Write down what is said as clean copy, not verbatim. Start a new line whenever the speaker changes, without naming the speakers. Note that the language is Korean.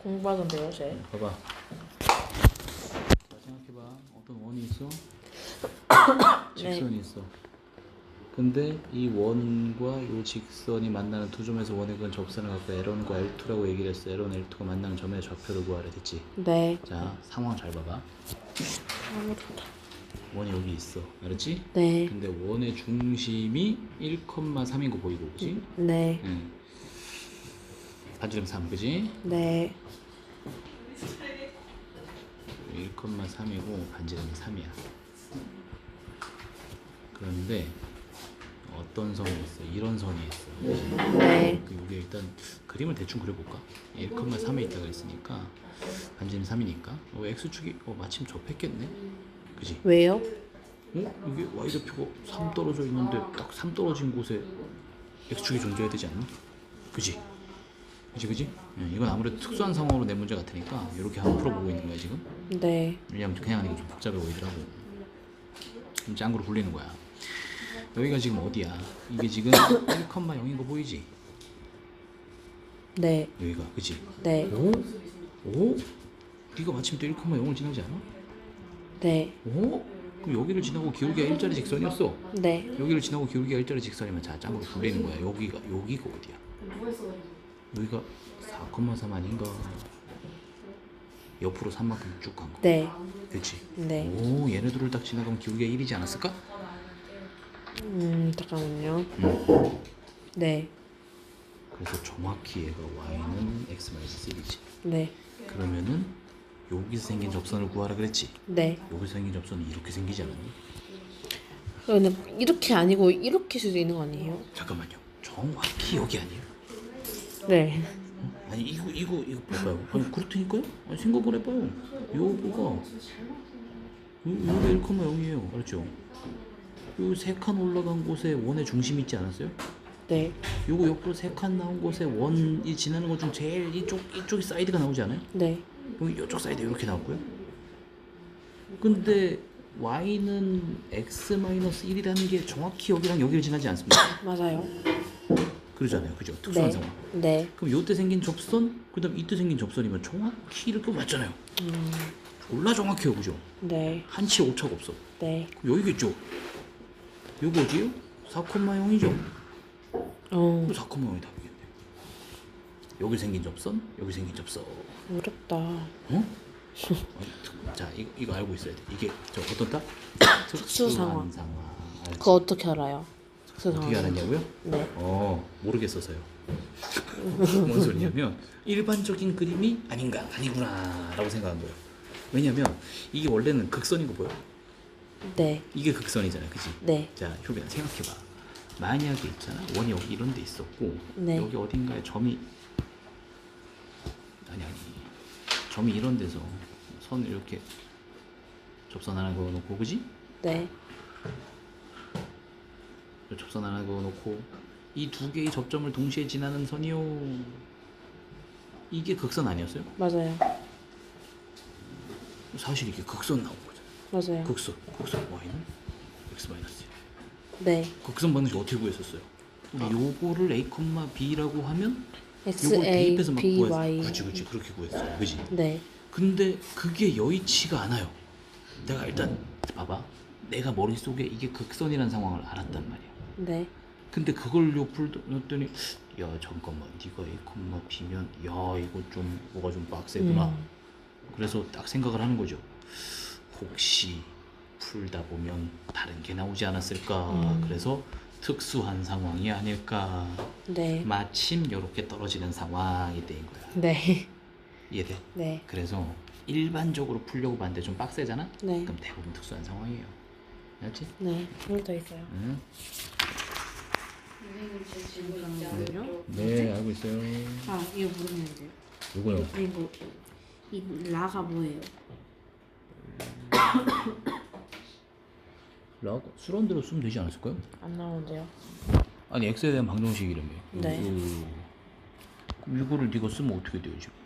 공부하던데요, 쟤.
봐봐. 자, 생각해봐. 어떤 원이 있어? 직선이 있어. 근데 이 원과 이 직선이 만나는 두 점에서 원의 근 접선을 갖고 L1과 L2라고 얘기를 했어. L1, L2가 만나는 점의 좌표를 구하래 됐지?
네.
자, 상황 잘 봐봐. 원이 여기 있어. 알았지?
네.
근데 원의 중심이 1,3인 거 보이고, 그지?
네.
응. 반지름 3, 그지?
네.
1,3이고 반지름이 3이야. 그런데 어떤 선이 있어? 이런 선이 있어.
네.
이게 일단 그림을 대충 그려볼까? 1,3에 있다가 있으니까 반지름 3이니까 x축이 마침 접했겠네? 그지?
왜요?
이게 y좌표가 3 떨어져 있는데 딱 3 떨어진 곳에 x축이 존재해야 되지 않나? 그지? 그지? 이건 아무래도 특수한 상황으로 내 문제 같으니까 이렇게 한번 풀어보고 있는 거야 지금.
네.
왜냐면 그냥 하는 게 좀 복잡해 보이더라고. 좀 짱구로 굴리는 거야. 여기가 지금 어디야? 이게 지금 1,0인 거 보이지?
네.
여기가 그치?
네.
오? 오? 네가 마침 또 1,0을 지나지 않아?
네.
오? 그럼 여기를 지나고 기울기가 일자리 직선이었어.
네.
여기를 지나고 기울기가 일자리 직선이면 자 짱구로 굴리는 거야. 여기가 어디야? 여기가 4,3 아닌가? 옆으로 3만큼 쭉 간 거.
네.
그치?
네.
오, 얘네들을 딱 지나가면 기울기가 1이지 않았을까?
잠깐만요. 네.
그래서 정확히 얘가 y는 x-1이지.
네.
그러면은 여기서 생긴 접선을 구하라 그랬지?
네.
여기서 생긴 접선이 이렇게 생기지 않았니?
근데 이렇게 아니고 이렇게 수도 있는 거 아니에요?
잠깐만요. 정확히 여기 아니에요?
네.
아니 이거 봐봐요. 아니 그렇다니까요? 아니 생각을 해봐요. 요거가 요게 1,0이에요. 알았죠? 요 3칸 올라간 곳에 원의 중심이 있지 않았어요?
네.
요거 옆으로 3칸 나온 곳에 원이 지나는 것 중 제일 이쪽이 사이드가 나오지 않아요?
네.
여기 이쪽 사이드 이렇게 나왔고요. 근데 y는 x-1이라는 게 정확히 여기랑 여기를 지나지 않습니까?
맞아요.
그러잖아요. 그죠? 특수한
네.
상황.
네.
그럼 요때 생긴 접선, 그 다음 이때 생긴 접선이면 정확히 이렇게 맞잖아요. 졸라 정확해요. 그죠?
네.
한치 오차가 없어.
네.
그럼 여기겠죠? 요거 어디요? 4,0이죠? 4,0이 답이겠네. 여기 생긴 접선, 여기 생긴 접선.
어렵다.
어? 자, 이거 알고 있어야 돼. 이게 저 어떤 딱?
특수 상황.
알지?
그거 어떻게 알아요?
어떻게 알았냐고요?
네.
모르겠어서요. 뭔 소리냐면 일반적인 그림이 아니구나라고 생각한 거예요. 왜냐면 이게 원래는 극선인 거 보여?
네.
이게 극선이잖아요, 그치?
네.
자, 효빈아 생각해봐. 만약에 있잖아, 원이 여기 이런 데 있었고
네.
여기 어딘가에 점이 점이 이런 데서 선을 이렇게 접선 하나 그어놓고, 그지?
네.
접선 하나 그어놓고 이 두 개의 접점을 동시에 지나는 선이요. 이게 극선 아니었어요?
맞아요.
사실 이게 극선 나온 거잖아요.
맞아요.
극선 y는 x-1.
네.
극선 방식 어떻게 구했었어요? 우리 요거를 a, b라고 하면
X
요걸
A
대입해서 막
B
구했어.
Y.
그렇지 그렇게 구했어요. 그지?
네.
근데 그게 여의치가 않아요. 내가 일단 봐봐. 내가 머릿속에 이게 극선이라는 상황을 알았단 말이야.
네.
근데 그걸 요 풀었더니 야 잠깐만 네가 a, b면 야 이거 좀 뭐가 좀 빡세구나. 그래서 딱 생각을 하는 거죠. 혹시 풀다 보면 다른 게 나오지 않았을까. 그래서 특수한 상황이 아닐까.
네.
마침 이렇게 떨어지는 상황이 된 거야.
네.
이해돼?
네.
그래서 일반적으로 풀려고 봤는데 좀 빡세잖아?
네.
그럼 대부분 특수한 상황이에요. 알지?
네. 한 개 더 있어요.
응?
잠깐만요.
네, 알고 있어요.
아, 이거 모르겠는데요.
요거요.
이거 이 라가 뭐예요?
수런대로 쓰면 되지 않았을까요?
안 나오는데요.
아니 X에 대한 방정식 이름이에요.
네.
그럼 이거를 네가 쓰면 어떻게 돼요 지금?